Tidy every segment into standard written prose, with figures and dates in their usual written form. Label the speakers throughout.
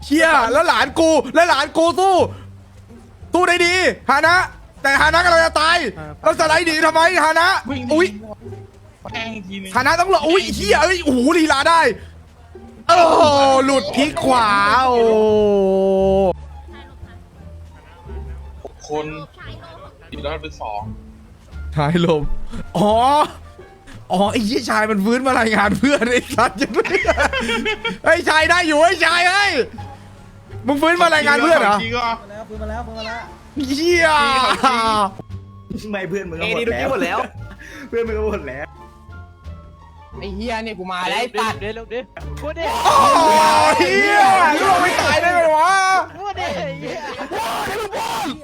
Speaker 1: เชี่ยแล้วหลานกูสู้ได้ดีฮานะแต่ฮานะกำลังจะตายแล้วสไลด์หนีทำไมฮานะอุ้ย
Speaker 2: แทงอีกทีนึง
Speaker 1: ฮานะต้องหลบอุ้ยเฮียเอ้ยโอ้โหลีลาได้โอ้โหหลุดพลิกขวาโอ้
Speaker 2: คนอยู่ด้านเป็น2
Speaker 1: ชายลมอ๋อไอ้ยี่ชายมันฟื้นมารายงานเพื่อนไอ้สัตว์ยังไม่ไอ้ชายได้อยู่ไอ้ชายเฮ้ยมึงฟื้นมารายงานเพื่อนเหรอ
Speaker 2: จริงก็
Speaker 3: แล้วปืนมาแล้ว
Speaker 1: เฮีย
Speaker 3: ไม่เพื่อนมึงก็หมดแล้วเพื่อนมึงก็หมดแล้ว
Speaker 4: ไอ้เฮียเนี่ยกูมาแล้วไอ้ตัดเลยลูกดิพูดดิ
Speaker 1: โอ้เฮียลูกไม่ตายได้ไงวะ
Speaker 4: พูดดิเฮีย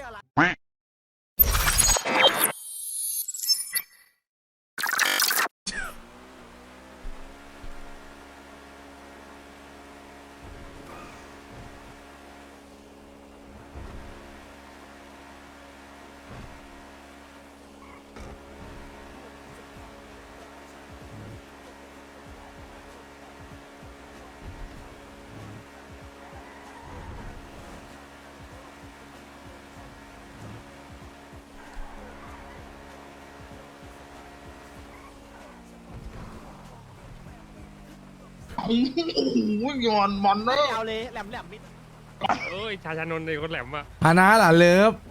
Speaker 2: โอ้โหย้อนมันเนอะ
Speaker 4: เอาเลยแหลมมิด
Speaker 5: เอ้ยชาชานนท์เลยคนแหลมอ่ะ
Speaker 1: ฮานะล่ะเลิฟ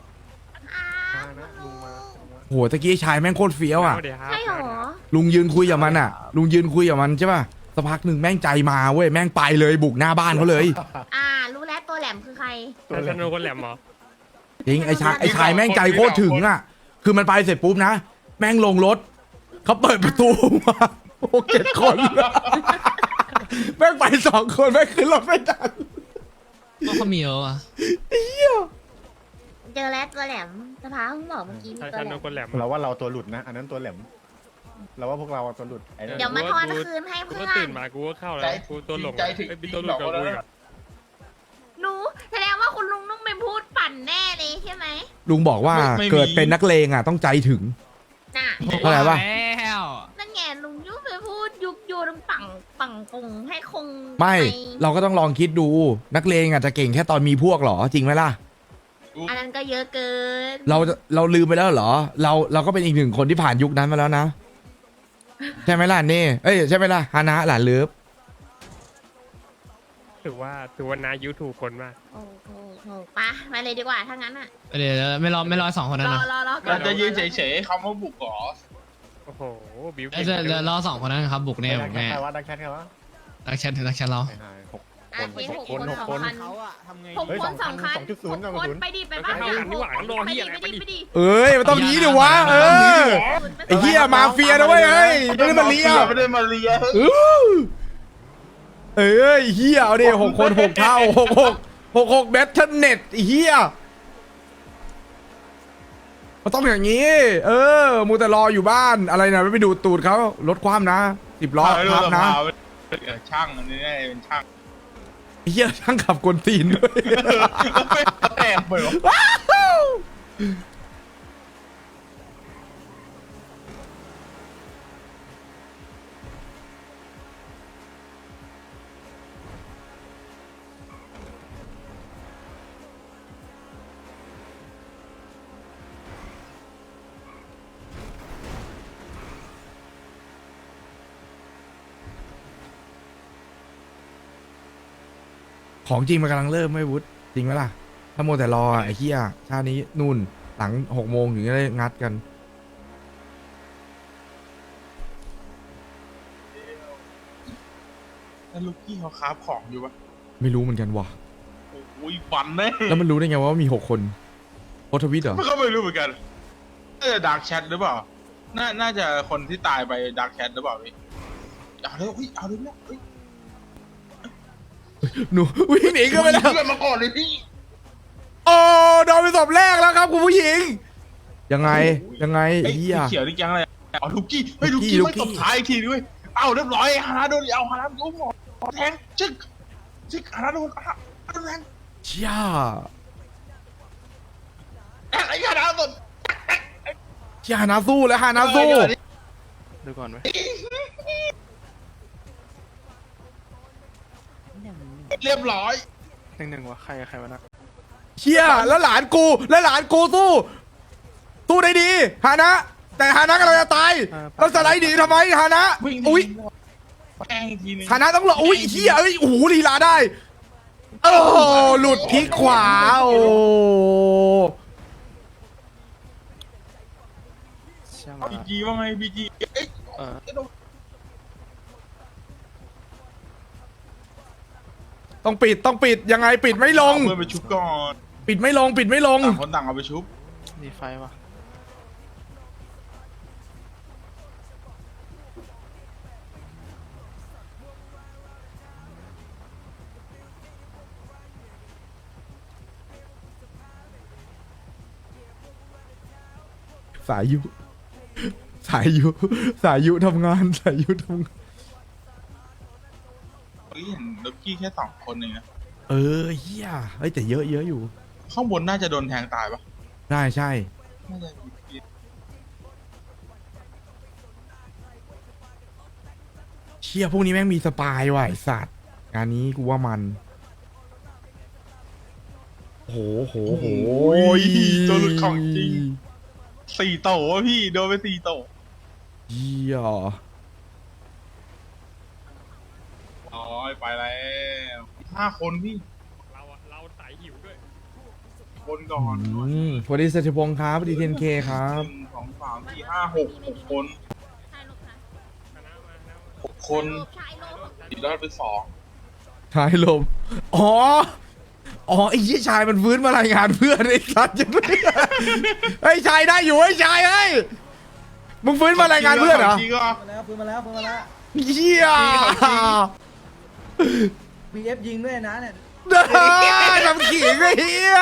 Speaker 1: โหตะกี้ชายแม่งโคตรเฟี้ยวอ่ะ
Speaker 5: เดี๋ยวครับ
Speaker 6: ใช่หรอ
Speaker 1: ลุงยืนคุยกับมันอ่ะ ลุงยืนคุยกับมันใช่ป่ะสักพักหนึ่งแม่งใจมาเว้ยแม่งไปเลยบุกหน้าบ้านเขาเลย
Speaker 6: รู้แล้วตัวแหลมคือใคร
Speaker 5: ชาชานนท์คนแหลมเหรอ
Speaker 1: จริงไอ้ชายแม่งใจโคตรถึงอ่ะคือมันไปเสร็จปุ๊บนะแม่งลงรถเขาเปิดประตูมาโอ้7 คนแม่งไป2 คนแม่งขึ้นรถไม่ทัน
Speaker 7: ก็เขามีเยอะอ่ะ
Speaker 6: เจอแล้วตัวแหลมสภาเพิ่งบอกเมื่อกี้มี
Speaker 5: ชา
Speaker 6: ตัว
Speaker 5: ชา
Speaker 6: แหล
Speaker 5: นน
Speaker 6: ม
Speaker 5: ท์คนแหลม
Speaker 8: เราว่าเราตัวหลุดนะ อันนั้นตัวแหลม เราว่าพวกเราตัวหลุดไอ้นั่น
Speaker 6: เดี๋ยวมาทอนคืนให้
Speaker 5: กู
Speaker 6: เพื่
Speaker 5: ก็
Speaker 6: อ
Speaker 5: ตื่
Speaker 6: น
Speaker 5: นมากูก็เข้าแล้วกูตัวหลง
Speaker 2: ใจถึง
Speaker 5: ไอ้พี่ตัวหลงกับกูอีกอะ
Speaker 6: หนูแสดงว่าคุณลุงต้องไปพูดปั่นแน่เลยใช่ไหม
Speaker 1: ลุงบอกว่าเกิดเป็นนักเลงอ่ะต้องใจถึง
Speaker 6: น่ะ
Speaker 1: เข้าใจป่ะ
Speaker 7: แล้ว
Speaker 6: นั่นไงลุงยุบไปพูดยุกยูนปังกงให้คง
Speaker 1: ไม่
Speaker 6: ป
Speaker 1: เราก็ต้องลองคิดดูนักเลงอ่ะจะเก่งแค่ตอนมีพวกเหรอจริงไหมล่ะ
Speaker 6: อันนั้นก็เยอะเกิน
Speaker 1: เราลืมไปแล้วเหรอเราก็เป็นอีก1 คนที่ผ่านยุคนั้นมาแล้วนะใช่ไหมล่ะเน่เอ้ยใช่ไหมล่ะฮานะหลานเลิฟ
Speaker 5: ถือว่านายูถูกคนมาก
Speaker 6: โอ้โหไปไปเลยดีกว่าถ้างั้นอ่ะ
Speaker 7: เดี๋ยวไม่รอ2 คนนั้นนะ
Speaker 6: รอ
Speaker 2: เราจะยืนเฉยๆคำว่าบุกเหรอ
Speaker 5: โอ้โหบิว
Speaker 7: เดี๋ยวรอ2 คนนั้นครับบุกแน่บุกแน่
Speaker 8: ใครวะดักแคทใครวะ
Speaker 7: รักแชทเรา
Speaker 8: 6 คน
Speaker 6: 6 คน
Speaker 4: เขาอะทำไง
Speaker 6: 6 คน2 คัน
Speaker 8: 2.0
Speaker 6: 6 คนไปดิไปบ้าน
Speaker 5: เข้ากันดีกว่าต้องรอที่อะไรไปดิ
Speaker 6: ไปดิ
Speaker 1: เอ้ยมันต้องยี้ดิวะเออไอ้เหี้ยมาเฟียนะเว้ยเอ้ยไม่ได้มาเลีย
Speaker 2: ไม่ได้มาเลีย
Speaker 1: เอ้ยเหี้ยเอาดิ6 คน6 เท่า6 แบทเทิลเน็ตไอ้เหี้ยมันต้องอย่างนี้มูแต่รออยู่บ้านอะไรนะไม่ไปดูดตูดเขาลดความนะ10 ล้อทับนะ
Speaker 2: ช่างอันนี้เป็นช่าง
Speaker 1: ไอ้เหี้ยช่างขับกวนตีนด้วย
Speaker 2: แอบเปิด
Speaker 1: ของจริงมันกำลังเริ่มไม่วุฒจริงไหมล่ะถ้าโมวแต่รอไอ้เหี้ยชาตินี้นู่นหลัง6 โมงถึงจะได้งัดกัน
Speaker 2: แล้วลูกพี่เขาคราฟของอยู่ปะ
Speaker 1: ไม่รู้เหมือนกันว่ะ
Speaker 2: โอ้ยฟันแน่
Speaker 1: แล้วมันรู้ได้ไงว่ามี6 คนโพสต์ทวิตเหรอ
Speaker 2: มันก็ไม่รู้เหมือนกันน่าจะดาร์กแชทหรือเปล่า น่าจะคนที่ตายไปดาร์กแชทหรือเปล่าพี่เอาเลยเอาเลยเนี่ย
Speaker 1: หนูวิ่งหนีกันไปแล้ว
Speaker 2: เพื่อนมาก่อนเลยพี่
Speaker 1: โอ้โดนไปศพแรกแล้วครับคุณผู้หญิง ยังไงไอ้เหี้ย
Speaker 2: เขียวนี่ยังอะไรเอาลูกกี้เฮ้ย
Speaker 1: ลู
Speaker 2: ลู
Speaker 1: ก
Speaker 2: ก
Speaker 1: กี้
Speaker 2: กี้
Speaker 1: ลูก
Speaker 2: ไม่
Speaker 1: กี้
Speaker 2: ตบท้ายอีกทีด้วยเอาเรียบร้อยฮานาโดนเอาฮานาโดนหมอแทงชึกฮานาโดนแทง
Speaker 1: เชี่ย
Speaker 2: ไอ้ฮานาโดน
Speaker 1: เชี่ยฮานาสู้แล้วฮานาสู้
Speaker 5: ดูก่อนไหม
Speaker 2: เรียบร้อย
Speaker 5: 1-1วะใครวะนะ
Speaker 1: เชี่ยแล้วหลานกูสู้ได้ดีฮานะ แต่ฮานะกำลังจะตายแล้วสไลด์หนีทำไมฮานะ
Speaker 2: วิ่ง
Speaker 1: อุ้ย
Speaker 2: แกล้งอีกทีนึง
Speaker 1: ฮานะต้องรออุ้ยเฮียเอ้ยโอ้โหลีลาได้โอ้โหหลุดคลิกขวาโอ้
Speaker 2: บีจีว่าไงบีจีเอ้ย
Speaker 1: ต้องปิดยังไงปิดไม่ลง
Speaker 2: เอาเพื่อนไปชุบก่อน
Speaker 1: ปิดไม่ลง
Speaker 2: ต่างคนต่างเอาไปชุบ
Speaker 5: ดีไฟวะ
Speaker 1: สายยุทำงาน
Speaker 2: เฮ้ยเห็นล็อกกี้แค่2 คนเองนะ
Speaker 1: เออเฮียเฮ้ยแต่เยอะอยู่
Speaker 2: ข้างบนน่าจะโดนแทงตายปะ
Speaker 1: ใช่
Speaker 2: น่าจะมี
Speaker 1: เชี่ยพวกนี้แม่งมีสปายว่ะไอสัตว์งานนี้กูว่ามันโห
Speaker 2: ตัวหลุดของจริง4 โตวะพี่โดนไป4 โตว
Speaker 1: เยี่ย
Speaker 2: อ๋อไปแล้ว5 คนพี่
Speaker 5: เราสายหิวด้วย
Speaker 2: คนก่อน
Speaker 1: สวัสดีเศรษฐพงศ์ครับสวัสดีเทนเคครับ
Speaker 2: 1 2 3 4 5 6 คน
Speaker 6: ชายลบค่ะ
Speaker 2: 6 คน
Speaker 6: ชายลบ
Speaker 2: ติดรอดไป2
Speaker 1: ชายลมอ๋อไอ้ยี่ชายมันฟื้นมารายงานเพื่อนไอ้สัตว์จะไม่ไอ้ชายได้อยู่ไอ้ชายเฮ้ยมึงฟื้นมารายงานเพื่อนเหรอ
Speaker 2: จริงก็
Speaker 3: ฟื้นมาแล้ว
Speaker 1: เฮีย
Speaker 3: มีเอฟยิงด้วยนะเนี่ย
Speaker 1: เด้อทำขิงไอ้เฮีย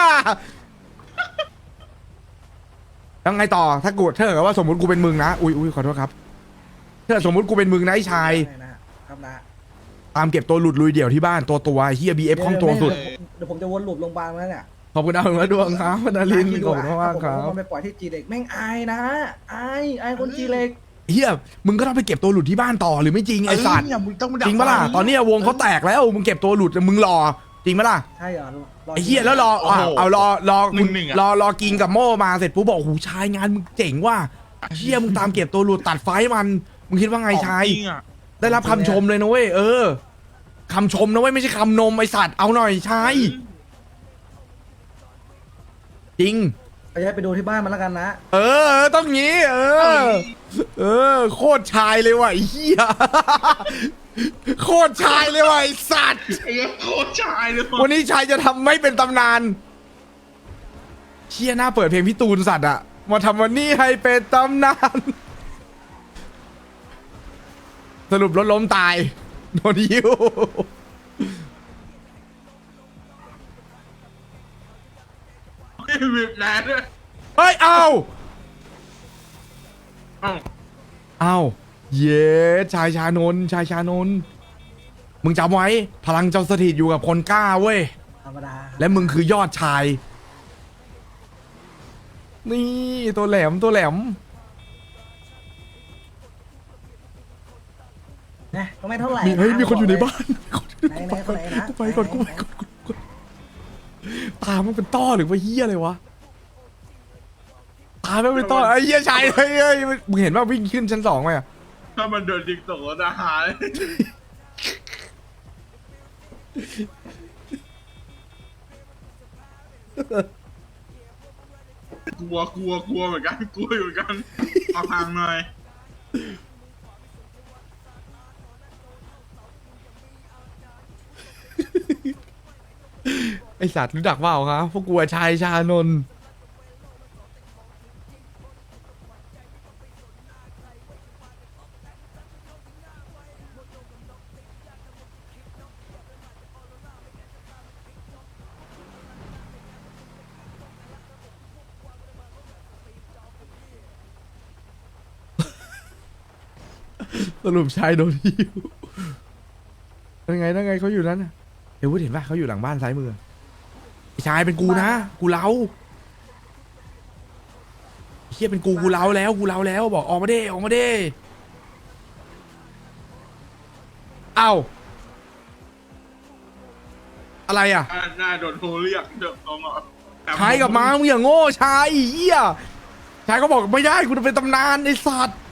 Speaker 1: ยังไงต่อถ้ากูถ้าเกิดว่าสมมติกูเป็นมึงนะอุ้ยขอโทษครับถ้าสมมติกูเป็นมึงนะไอ้ชาย
Speaker 3: ครับนะ
Speaker 1: ตามเก็บตัวหลุดลุยเดี่ยวที่บ้านตัวเฮียบีเอฟคล่องตัวสุด
Speaker 3: เดี๋ยวผมจะวนหลุดโรงพยาบาลมาเนี่ย
Speaker 1: ขอบคุณดาวและดวงครับพนาลินขอบคุณมากครับ
Speaker 3: ผมไปปล่อยที่จีเล็กแม่งอายนะอายคนจีเล็ก
Speaker 1: เฮียมึงก็ต้องไปเก็บตัวหลุดที่บ้านต่อหรือไม่จริงไอ้สัตว์
Speaker 2: เนี่ยมึงต้องมาดัก
Speaker 1: จริงปะล่ะตอนนี้วงเขาแตกแล้วมึงเก็บตัวหลุดมึงรอจริงปะล่ะ
Speaker 3: ใช่เหรอ
Speaker 1: ไอ้เฮียแล้วรอเอารอคุณรอกินกับโม่มาเสร็จปุ๊บบอกโอ้โหชายงานมึงเจ๋งว่ะเฮียมึงตามเก็บตัวหลุดตัดไฟมันมึงคิดว่าไงชาย
Speaker 2: จริงอ่ะ
Speaker 1: ได้รับคำชมเลยนะเว้ยคำชมนะเว้ยไม่ใช่คำนมไอสัตว์เอาหน่อยชายจริง
Speaker 3: ไปให้ไปดูที่บ้านมันแล้วกันนะ
Speaker 1: ต้องงี้โคตรชายเลยว่ะไอ้เหี้ยโคตรชายเลยว่ะไอ้สัตว์
Speaker 2: ไอ้โคตรชายเลย
Speaker 1: วันนี้ชายจะทำไม่เป็นตำนานเชี่ยหน้าเปิดเพลงพี่ตูนสัตว์อะมาทำวันนี้ให้เป็นตำนานสรุปรถล้มตายโดนยิว
Speaker 2: บีบแรงด้วย
Speaker 1: เฮ้ยเอา
Speaker 2: เอ้า
Speaker 1: เอาเย้ชายชานนท์มึงจำไว้พลังเจ้าสถิตอยู่กับคนกล้าเว้ย
Speaker 3: ธรรมดา
Speaker 1: และมึงคือยอดชาย นี่ตัวแหลม
Speaker 3: นะก็ไม่เท่าไหร่
Speaker 1: เฮ้ยมีคนอยู่ในบ้าน
Speaker 3: ไหนคนไหนนะ
Speaker 1: กูไปก่อนตามันเป็นต้อหรือว่าเหี้ยอะไรวะตามันเป็นต้อไอ้เหี้ยชายเฮ้ยมึงเห็นว่าวิ่งขึ้นชั้น 2ไหมอะ
Speaker 2: ถ้ามันโดนยิงตกรถอาหารกลัวเหมือนกันกลัวอยู่เหมือนกันเอาทางหน่อย
Speaker 1: ไอสัตว์รู้จักเปล่าครับพวกกูชายชานนท์สรุปชายโดนหิวนั่นไงเขาอยู่นั้นน่ะเดี๋ยวพูดเห็นป่ะเขาอยู่หลังบ้านซ้ายมือไอ้ชายเป็นกูนะกูเล้าเฮียเป็นกูเล้าแล้วบอกออกมาเด้เอ้าอะไรอ่ะ
Speaker 2: น่าโดนโทรเรียกเดี๋ยวต้องเอา
Speaker 1: ชายกลับมามึงอย่างโง่ชายไอ้เหี้ยชายก็บอกไม่ได้กูจะเป็นตำนานไอ้สัตว์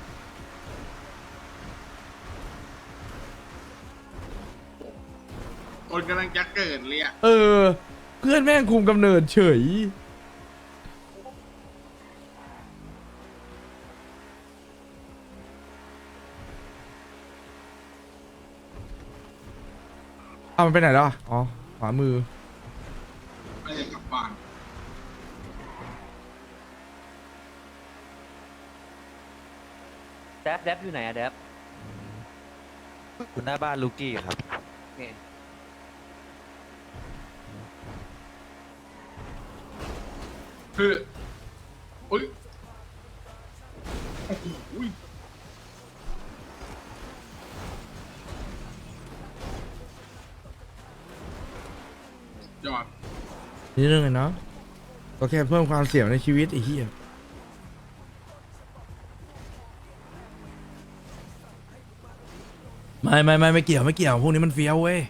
Speaker 2: คนกำลังจะเกิดเลยอ่ะ
Speaker 1: เออ เพื่อนแม่งคุมกำเนิดเฉยเอามันไปไหนแล้วอ่ะอ๋อขวามือ
Speaker 2: ไม่ได้กลับบ้าน
Speaker 4: แดบอยู่ไหนอะแดบ
Speaker 3: คุณหน้าบ้านลูกี้ครับ
Speaker 2: คืออุ้ยโอ้โหอุ้ยยอด
Speaker 1: นี่เรื่องไงเนาะก็แค่เพิ่มความเสี่ยงในชีวิตไอ้เหี้ยไม่เกี่ยวพวกนี้มันเฟี้ยวเว้ย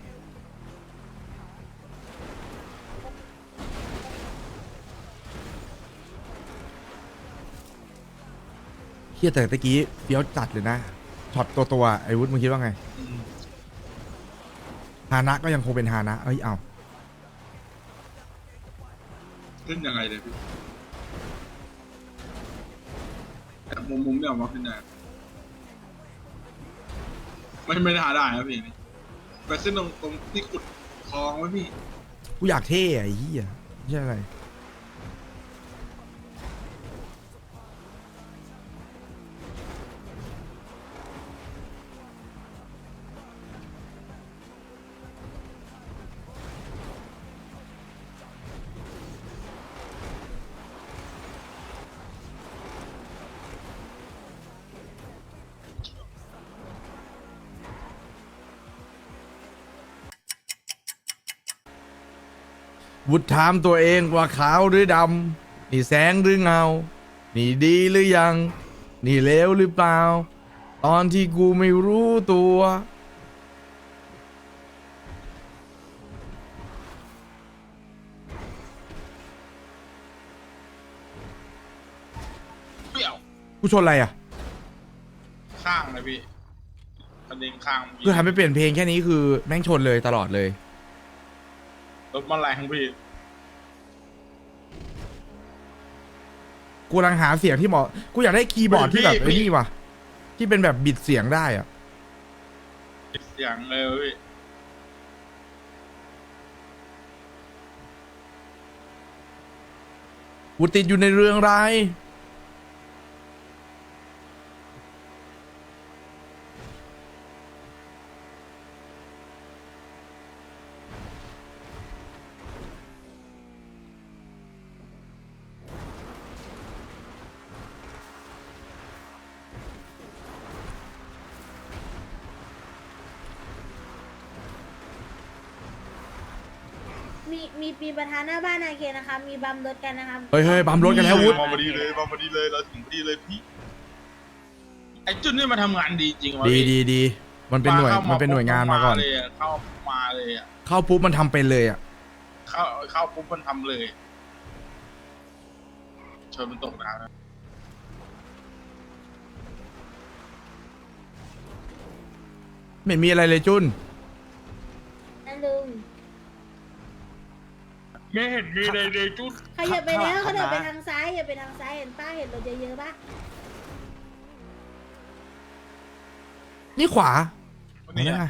Speaker 1: เฮียแต่ตะกี้เฟี้ยวจัดเลยนะช็อตตัวไอ้วุฒิมึงคิดว่าไงฮานะก็ยังคงเป็นฮานะเอ้ยเอา
Speaker 2: ขึ้นยังไงเลยพี่แต่มุมเนี่ยมาขึ้นได้ไม่ได้หาได้ครับพี่นี่ไปขึ้นตรงที่ขุดคลองไว้พี่
Speaker 1: กูอยากเท่อะไอ้เหี้ยไม่ใช่อะไรวุฒถามตัวเองว่าขาวหรือดำนี่แสงหรือเงา นี่ดีหรือยัง นี่เลวหรือเปล่า ตอนที่กูไม่รู้ตัว
Speaker 2: เปรี้ยว
Speaker 1: กูชนอะไรอ่ะ
Speaker 2: ข้างเลยพี่ประเด็นข้าง
Speaker 1: คือทำให้เปลี่ยนเพลงแค่นี้คือแม่งชนเลยตลอดเลย
Speaker 2: รถมันแรงพี่
Speaker 1: กูกำลังหาเสียงที่เหมาะ กูอยากได้คีย์บอร์ดที่แบบไอ้นี่ว่ะ ที่เป็นแบบบิดเสียงได้อ่ะ
Speaker 2: เสียงเลยพี่
Speaker 1: กูติดอยู่ในเรื่องร้าย
Speaker 6: มีปีประธานหน้าบ้านนาเคนนะคะ มีบัมรถกันนะคะ
Speaker 1: เฮ้ยบัมรถกันแล้ววุฒิ
Speaker 2: มาพอดีเลยเราถึงพอดีเลยพี่ไอ้จุดนี่มาทำงานดีจริงวะ
Speaker 1: ดี
Speaker 2: พี่
Speaker 1: ดีมันเป็นหน่วย มันเป็นหน่วยงานมาก่อน
Speaker 2: เลยเข้ามาเลยอ่ะ
Speaker 1: เข้าปุ๊บมันทำเป็นเลยอ่ะ
Speaker 2: เข้าปุ๊บมันทำเลยชนมันตกน้ำนะ
Speaker 1: ไม่มีอะไรเลยจุน
Speaker 6: นั่นลุง
Speaker 2: ไม่เห็นมีในจุด
Speaker 6: ขยับไปแล้วเขาเดินไปทางซ้ายอย่าไปทางซ้ายเห็นป้าเห็นรถเยอะๆป่ะ
Speaker 1: นี่ขวา
Speaker 2: นี่
Speaker 1: ไง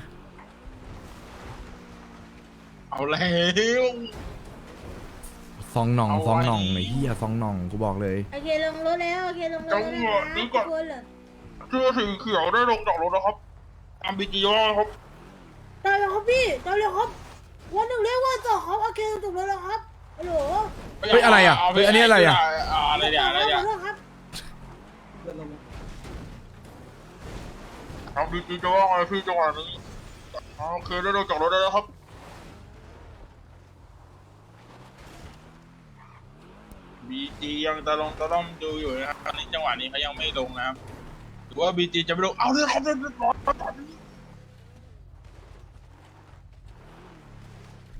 Speaker 2: เอาแล้ว
Speaker 1: ซองหน่อง
Speaker 2: เอาไว้
Speaker 1: ซองหน่องไอ้เหี้ยซองหน่องกูบอกเลย
Speaker 6: โอเคลงรถแล้วโอเคลงรถแล้วนะคะทุกคนเหรอ
Speaker 2: เสื้อสีเขียวได้ลงจากรถแล้วครับตามบีจีว่าครับ
Speaker 6: ตายแล้วครับพี่ตายแล้วครับวันหนึ่งเรียกว่าต่อครับโอเคถูกแล้วแล้วครับฮัลโหล
Speaker 1: เฮ้ยอะไรอ่ะเฮ้ยอันนี้อะไรอ่ะ
Speaker 2: อะไรเนี่ยอะไรเนี่ย
Speaker 6: ขอโทษครับ
Speaker 2: ทางบีจีจะว่าไงพี่จังหวะนี้โอเคได้ลงจากรถได้แล้วครับบีจียังตะลงดูอยู่นะครับตอนนี้จังหวะนี้เขายังไม่ลงนะครับหรือว่าบีจีจะไม่ลงเอาเลยครับเรียบร้อยตอนนี้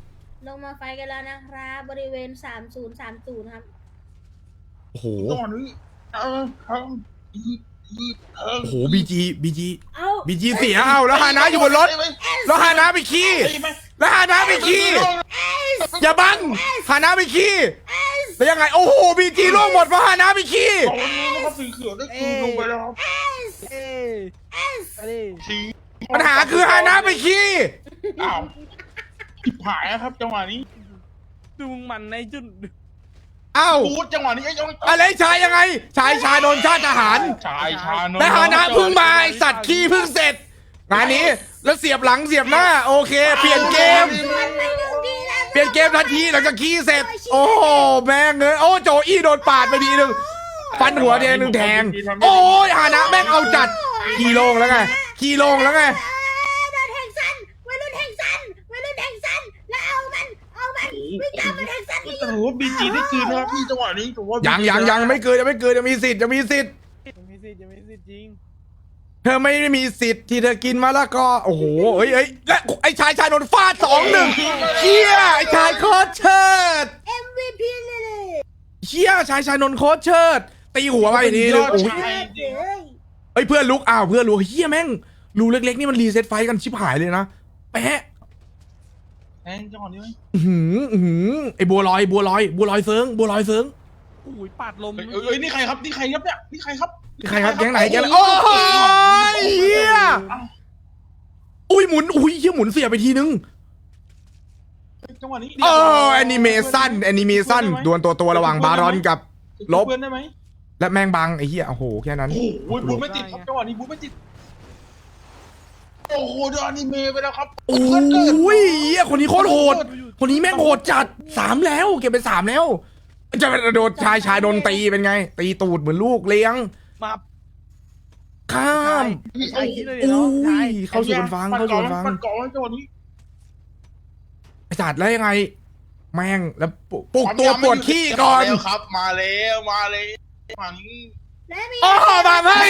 Speaker 6: ลงมาไฟกันแล้วนะครับบริเวณ3030ครับ
Speaker 1: โอ้โห
Speaker 2: ตอนนี้ครับ
Speaker 1: โอ้โหบีจี
Speaker 6: เอา
Speaker 1: บีจีเสียเอาแล้วฮานะอยู่บนรถแล้วฮานะไปขี้แล้วฮานะไปขี้อย่าบังฮานะไปขี้แล้วยังไงโอ้โหบีจีล่วงหมดเพราะฮานะไปขี้
Speaker 2: ตอนนี้นะครับสีเขียวได้คืนลงไปแล้วครับ
Speaker 4: เอ้ยอะไร
Speaker 2: สี
Speaker 1: ปัญหาคือฮานะไปขี้
Speaker 2: อ้าวผิดหายนะครับจังหวะนี้
Speaker 5: ดูมึงมันในจุด
Speaker 1: เอ้า
Speaker 2: พูดจังหวะนี้ไอ้ยัง
Speaker 1: อะไรชายยังไงชายโดนชาติทหาร
Speaker 2: ชายชาโน
Speaker 1: และฮานะเพิ่งมาไอ้สัตว์ขี้เพิ่งเสร็จงานนี้แล้วเสียบหลังเสียบหน้าโอเค เปลี่ยนเกม
Speaker 6: มันไปหนึ่งทีแล้ว
Speaker 1: เปลี่ยนเกมทันทีหลังจากขี้เสร็จ โอ้โหแม่งเอ้ยโอ้โจอี้โดนปาดไปทีหนึ่งฟันหัวแดงหนึ่งแทง โอ้ยฮานะแม่งเอาจัดขี่ลงแล้วไงขี่ลงแล้วไง
Speaker 6: โดนแทงสั้นวัยรุ่นแทงสั้นแล้วเอามันวิ่งตามมันแทงสั้น
Speaker 2: แต่ถือว่าบีจีได้คืนนะครับพี่จังหวะนี้ถือว่า
Speaker 1: ยั
Speaker 2: ยัง
Speaker 1: ไม่เกินยังมีสิทธิ์
Speaker 5: ยังไม่สิทธิ์จริง
Speaker 1: เธอไม่มีสิทธิ์ที่เธอกินมาแล้วก็โอ้โหเอ้ยและไอ้ชายโดนฟาด2-1เชี่ยไอ้ชายโคตรเชิด
Speaker 6: MVP เลย
Speaker 1: เชี่ยชายโดนโคตรเชิดตีหัวไปทีนึงโอ้ย
Speaker 6: เฮ้ย
Speaker 1: เอ้ยเพื่อนลุกเพื่อนลุกเฮียแม่งรูเล็กๆนี่มันรีเซ็ตไฟกันชิบหายเลยนะแปะ
Speaker 2: แทงจังหวะนี้ไหม
Speaker 1: ไอ้บัวลอยเซิง
Speaker 5: โอ้ยปาดลม
Speaker 2: เอ้ยนี่ใครครับเนี่ยนี่ใครครับ
Speaker 1: ใครครับแก๊งไหนโอ้ยเฮียอุ้ยหมุนเฮียหมุนเสียไปทีนึง
Speaker 2: จังหวะนี้
Speaker 1: แอนิเมชั่นดวลตัวระหว่างบารอนกับลบ
Speaker 2: เพื่อนได้ไหม
Speaker 1: และแมงบังไอ้เหี้ยโอ้โหแค่นั้น
Speaker 2: โอ้โหบูไม่ติดครับจังหวะนี้บูไม่ติดโอ้โหโดนอนิเมะไปแล้วครับ
Speaker 1: โอ้ยเหี้ยคนนี้โคตรโหดคนนี้แม่งโหดจัด3แล้วเก็บไป3แล้วจะโดนชายโดนตีเป็นไง ตีตูดเหมือนลูกเลี้ยง
Speaker 5: มา
Speaker 1: ข้าม
Speaker 5: ใช่คิดเลย
Speaker 1: โอ้
Speaker 5: เนาะใช่
Speaker 1: ยเข้าสู่บนฟัง
Speaker 2: ปัดก่อนจังหวะนี้
Speaker 1: ไอ้จัดแล้วยังไง แม่งแล้วปลุกตัวปวดขี้ก่อน
Speaker 2: มาแล้วครับมาแล้วมานี้
Speaker 6: และมี
Speaker 1: โอ้มาให้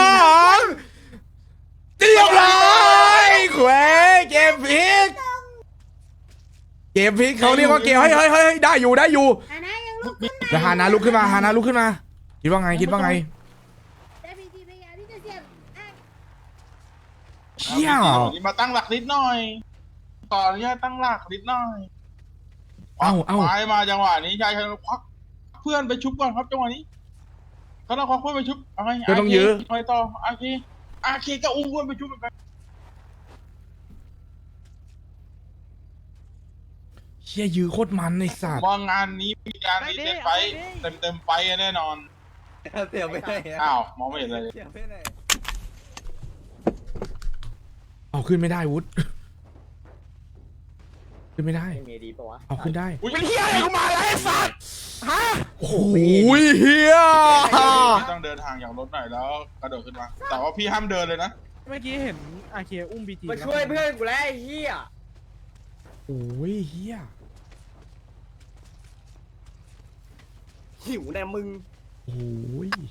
Speaker 1: 2เรียบร้อยเขวเกมพลิกเขาเรียกว่าเกมเฮ้ยได้อยู่
Speaker 6: ฮานะยังลุกขึ้นมา
Speaker 1: แล้วฮานาลุกขึ้นมาคิดว่าไง
Speaker 6: แต่พีจีพยายามที่จะเสียบอ่ะ
Speaker 1: เชี่ย
Speaker 2: มาตั้งหลักนิดหน่อยขออนุญาตตั้งหลักนิดหน่อย
Speaker 1: เอ้า
Speaker 2: ไปมาจังหวะนี้ชายชนควักเพื่อนไปชุบก่อนครับจังหวะนี้เขาต้องควักเพื่อนไปชุบเอาไง
Speaker 1: ก็ต้องยื้อ
Speaker 2: ไปต่ออาเคก็อุ้มเพื่อนไปชุบเหมือนกัน
Speaker 1: เชี่ยยื้อโคตรมันไอ้สัตว์
Speaker 2: มองงานนี้มีการรีเซ็ตไฟเต็มไฟแน่นอน
Speaker 3: เสียไปไหน
Speaker 2: อ้าวมองไม่เห็นเลย
Speaker 3: เสียไปไหน
Speaker 1: เอาขึ้นไม่ได้วุฒขึ้นไม่ได้
Speaker 3: มีดีปะวะ
Speaker 1: เอาขึ้นได้
Speaker 2: เป็นเฮียอะไรกูมาแล้วไอ้สัตว์
Speaker 1: โอ้ยเฮีย
Speaker 2: ต้องเดินทางอย่างรถหน่อยแล้วกระโดดขึ้นมาแต่ว่าพี่ห้ามเดินเลยนะ
Speaker 5: เมื่อกี้เห็นอาเคียอุ้มบีจี
Speaker 3: มาช่วยเพื่อนกูแล้วไอ้เหี้ย
Speaker 1: โอ้ยเฮีย
Speaker 3: หิวแน่มึง
Speaker 1: โอ้ย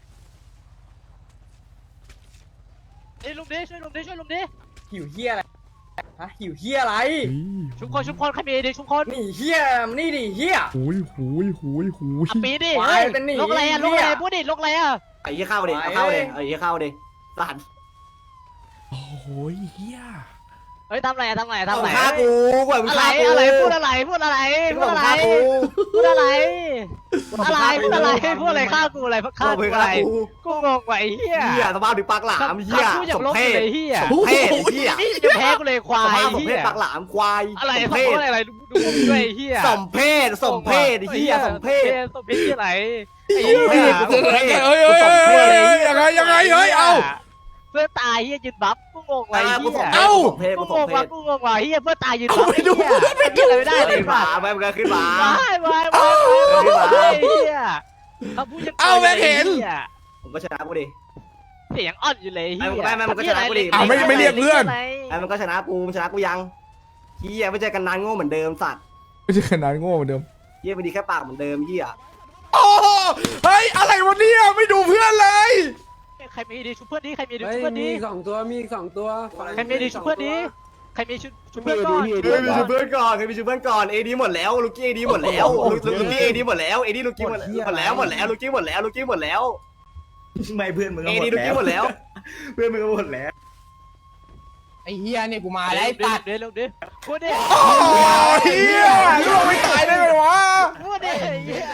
Speaker 4: เอ้ยลุงดิช่วยลุงดิ
Speaker 3: หิวเหี้ยอะไรฮะหิวเหี้ยอะไร
Speaker 4: ชุบคนใครมีดิชุบคน
Speaker 3: นี่เหี้ยมันนี่ดิเหี้ย
Speaker 1: โอ้ย
Speaker 4: อ่ะปีดิ
Speaker 3: ไป
Speaker 4: เฮ้ย
Speaker 3: เป็นหนี
Speaker 4: ลกอะไรอ่ะ
Speaker 3: เนี่
Speaker 4: ลก
Speaker 3: ย
Speaker 4: อะไรพูดดิลกอะไรอ่ะ
Speaker 3: ไอ้เหี้ยเข้าดิเอาเข้าดิไอ้เหี้ยเข้าดิสัตว์
Speaker 1: โอ้ยเฮีย
Speaker 4: เฮ้ยทำอะไร
Speaker 3: เอาฆ่ากูกว่ามึง
Speaker 4: อะไร
Speaker 3: ฆ่ากู
Speaker 4: อะไรพูดอะไรพูดอะไร
Speaker 3: มึ
Speaker 4: พู
Speaker 3: ง
Speaker 4: ดอะไร
Speaker 3: ฆ่ากู
Speaker 4: พูดอะไรพูดอะไรฆ่ากูอะไรฆ่ากูอะไรกูงงว่ะไอ้เหี้ย
Speaker 3: เหี้ยสภาพถึงปากหลามเหี้ย
Speaker 4: พูดอย่าง
Speaker 3: สม
Speaker 4: ลบ
Speaker 3: เพ
Speaker 4: เล
Speaker 3: ศ
Speaker 4: ยเหี้ย
Speaker 3: สมเพศไอ้เหี้ย
Speaker 4: นี่จะแพ้กูเลยควา
Speaker 3: ส
Speaker 4: ย
Speaker 3: ภาพสมเพ
Speaker 4: เหี้
Speaker 3: ศ
Speaker 4: ย
Speaker 3: ปากหลามควาย
Speaker 4: อะไร
Speaker 3: สม
Speaker 4: สม
Speaker 3: เพ
Speaker 4: เพ
Speaker 3: ศ
Speaker 4: ศอะไรดูด้วยเหี้ย
Speaker 3: สมเพศไอ้เหี้ยสมเพศ
Speaker 4: สมเพศที่ไหน
Speaker 3: สมเพศสมเพศ
Speaker 1: เฮ้ยยังไงเฮ้ยเอา
Speaker 4: เพื่อนตายเหี้ยยืนบัฟกูงงว่ะไอ้
Speaker 3: กู
Speaker 4: เหี้ย
Speaker 3: สมเพศกูสมเพศ
Speaker 4: กู
Speaker 3: กู
Speaker 4: ง
Speaker 3: สม
Speaker 4: ง
Speaker 3: เพ
Speaker 4: ว่ะ
Speaker 3: ศ
Speaker 4: กูงงว่ะเฮียเพื่อตายยืนบัฟไอ้เหี้ยเหี้ยอะไรไม่ได้เลย
Speaker 3: ขึ้นมาไปมันก็ขึ้นมา
Speaker 4: ไม่เฮียเขาพูดยัง
Speaker 3: ผมก็ชนะกูดิ
Speaker 4: เสียงอ่อนอยู่เลยเฮีย
Speaker 3: ไม่มันก็ชนะกูดิ
Speaker 1: ไม่เรียกเพื่อน
Speaker 3: ไอ้มันก็ชนะกูมันชนะกูยังเฮียไม่เจอกันนานโง่เหมือนเดิมสัตว์
Speaker 1: ไม่ใช่ขนาดโง่เหมือนเดิม
Speaker 3: เฮียไม่ดีแค่ปากเหมือนเดิมเฮีย
Speaker 1: โอ้เฮ้ยอะไรวะเนี่ยไม่ดูเพื่อนเลย
Speaker 4: ใครมีดีชุบเพื่อนดีใครมีดีชุบเพื่อนดี
Speaker 9: มีสองตัว
Speaker 4: ใครมีดีชุบเพื่อนดีใครมีชุดเพื่อนก่อน
Speaker 3: เฮ้ยมีชูเพื่อนก่อนใครมีชูเพื่อนก่อนเอดีหมดแล้วลูกกี้เอดีหมดแล้วลูกี้เอดีหมดแล้วเอดีลูกกี้หมดแล้วลูกกี้หมดแล้วลูกกี้หมดแล้วไม่เพื่อนมึงเอดีลูกกี้หมดแล้วเพื่อนมึงก็หมดแล้ว
Speaker 9: ไอ้เฮียเนี่ยกูมา
Speaker 4: อะไร
Speaker 9: แล้วไอ้
Speaker 4: ตั
Speaker 9: ตั
Speaker 4: ด
Speaker 9: ด
Speaker 4: เดี๋ยวเดี๋ยวพูดดิ
Speaker 1: โอ้ยเฮียล่วงไม่ตายได้ไงวะ
Speaker 4: พูดดิเหี้ย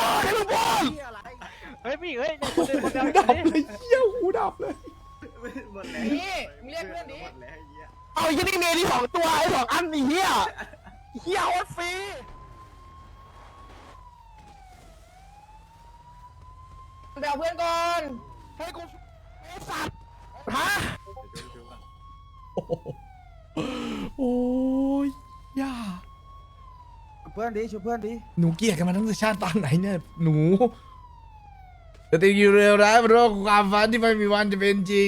Speaker 4: เฮ้ยพี่เฮ้ยเนี่ยคนเดียว
Speaker 1: ดับเลยเฮียหูดับเลย
Speaker 3: หมดแล้ว
Speaker 9: นี่มึงเรียกเพื่อนดิ
Speaker 3: หมดแล้วเฮีย
Speaker 9: เอาไอ้เฮียนี่เมย์ที่2 ตัวไอ้2 อันไอ้เฮียเฮียโคตรฟรีไปเอาเพื่อนก่อนให้กูไอ้สัตว์ฮะ
Speaker 1: โอ้ยย่า
Speaker 3: เพื่อนดิชูเพื่อนดิ
Speaker 1: หนูเกลียดกันมาตั้งแต่ชาติปางไหนเนี่ยหนูแต่ติอยู่เร็วร้ายบนโลกความฝันที่ไม่มีวันจะเป็นจริง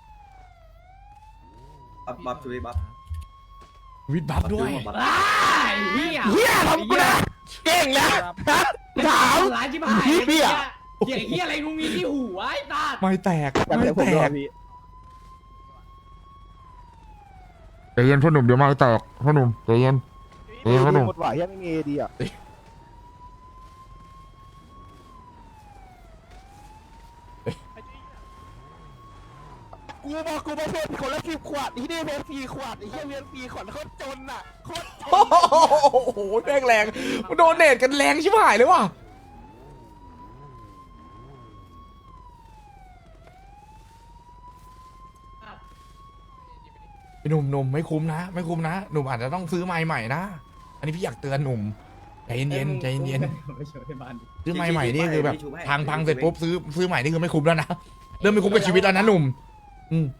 Speaker 3: บัฟชูดิบัฟ
Speaker 1: วิดบัฟด้วย
Speaker 9: เฮียทำกูนะเก่งแล้วถามร้ายชิบหายเฮียเฮียอะไรกูมีที่หูไอ้ตัด
Speaker 1: ไม่แตกไม่แตกใจเย็นพ่อหนุ่มเดี๋ยวไม่แตกพ่อหนุ่มใจเย็นใจเย็นพ่อหนุ่ม
Speaker 8: หมดหวายยังไม่มีเอดีอ่ะ
Speaker 9: กูบอกกูมาเพื่อนคนละ10 ขวดที่นี่เพื่อน4 ขวดไอ้เฮียเพื่อน4 ขวดโคตรจนอ่ะโคตรจน
Speaker 1: โอ้โหแรงแรงโดนเนตกันแรงชิบหายเลยว่ะหนุ่มไม่คุ้มนะไม่คุ้มนะหนุ่มอาจจะต้องซื้อไม้ใหม่นะอันนี้พี่อยากเตือนหนุ่มใจเย็นๆใจเย็นๆซื้อไม้ใหม่นี่คือแบบพังเสร็จปุ๊บซื้อใหม่นี่คือไม่คุ้มแล้วนะเริ่มไม่คุ้มกับชีวิตแล้วนะหนุ่มอืม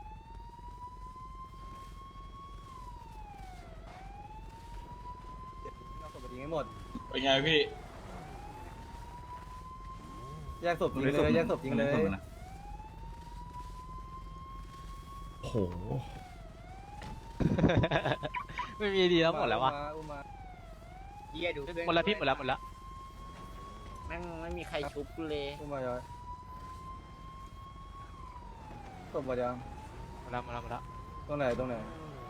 Speaker 3: เอาศพไปทิ้งให้หมด
Speaker 2: เป็นไงพี่
Speaker 3: แยกศพทิ้งเลยแยกศพทิ้งเลย
Speaker 1: โอ้โห
Speaker 4: ไม่มีดีแล้วหมดแล้ววะ
Speaker 3: อุ้มมา
Speaker 9: เฮียดู
Speaker 4: หมดแล้วพี่หมดแล้ว
Speaker 9: แม่งไม่มีใครชุบกูเลย
Speaker 3: อุ้มมาย้อยศพหมดยัง
Speaker 4: หมดแล้ว
Speaker 3: ตรงไหนตรงไหน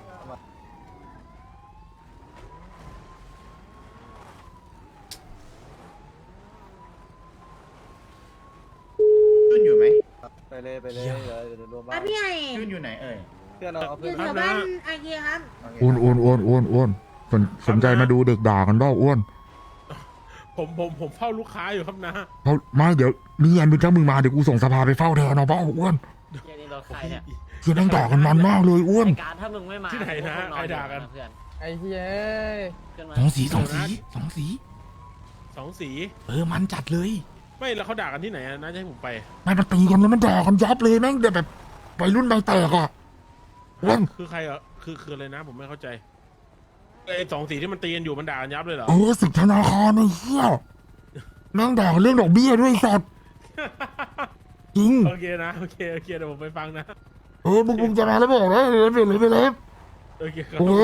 Speaker 8: ขึ้นอยู่ไหม
Speaker 3: ไปเลยเดี๋ยวรวมบ้า
Speaker 6: อ่ะ
Speaker 3: น
Speaker 6: พี่ใหญ่
Speaker 8: ขึ้นอยู่ไหนเอ่ย
Speaker 3: เพื่อนเอา
Speaker 6: อ
Speaker 3: เพื่อน
Speaker 6: ยู่แถวบ้านอาเกียครับ
Speaker 1: อ้วนสนใจมาดูเด็กด่ากันบ้าอ้วน
Speaker 5: ผมเฝ้าลูกค้าอยู่ครับนะ
Speaker 1: เขาไม่เดี๋ยวนี่อันเป็นเจ้ามึงมาเดี๋ยวกูส่งสภาไปเฝ้าแทนเอาเปล่าอ้วน
Speaker 9: เฮียนี่รถใครเนี่ย
Speaker 1: เฮียนั่งด่ากันมันมากเลยอ้วน
Speaker 9: ไอ้การถ้ามึงไม่มา
Speaker 5: ที่ไหนนะใครด่ากัน
Speaker 9: เพื่อน
Speaker 5: ไอ้เหี้ย
Speaker 9: เพื่อนมา
Speaker 1: สองสี
Speaker 5: สองสี มันจัดเลย ไม่แล้วเขาด่ากันที่ไหนน่าจะให้ผมไป
Speaker 1: ไม่มาตีกันแล้วมันด่ากันยับเลยแม่งแบบไปรุ่นใบแตกอ่ะอ้วน
Speaker 5: คือใครอ่ะคืออะไรนะผมไม่เข้าใจไอ้2 สีที่มันตีกันอยู่มันด่ากันยับเลยเหรอ
Speaker 1: สึกธนาคารไอ้เหี้ยแม่งด่ากันเรื่องดอกเบี้ยด้วยสัตว์จริง
Speaker 5: โอเคนะโอเคเดี๋ยวผมไปฟังนะ
Speaker 1: มึงจะมาแล้วบอกนะไปเลย
Speaker 5: โอเคครับ
Speaker 1: โอเค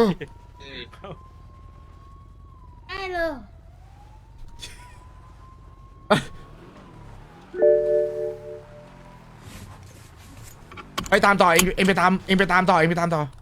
Speaker 6: ได้เลย
Speaker 1: ไปตามต่อเองไปตามต่อ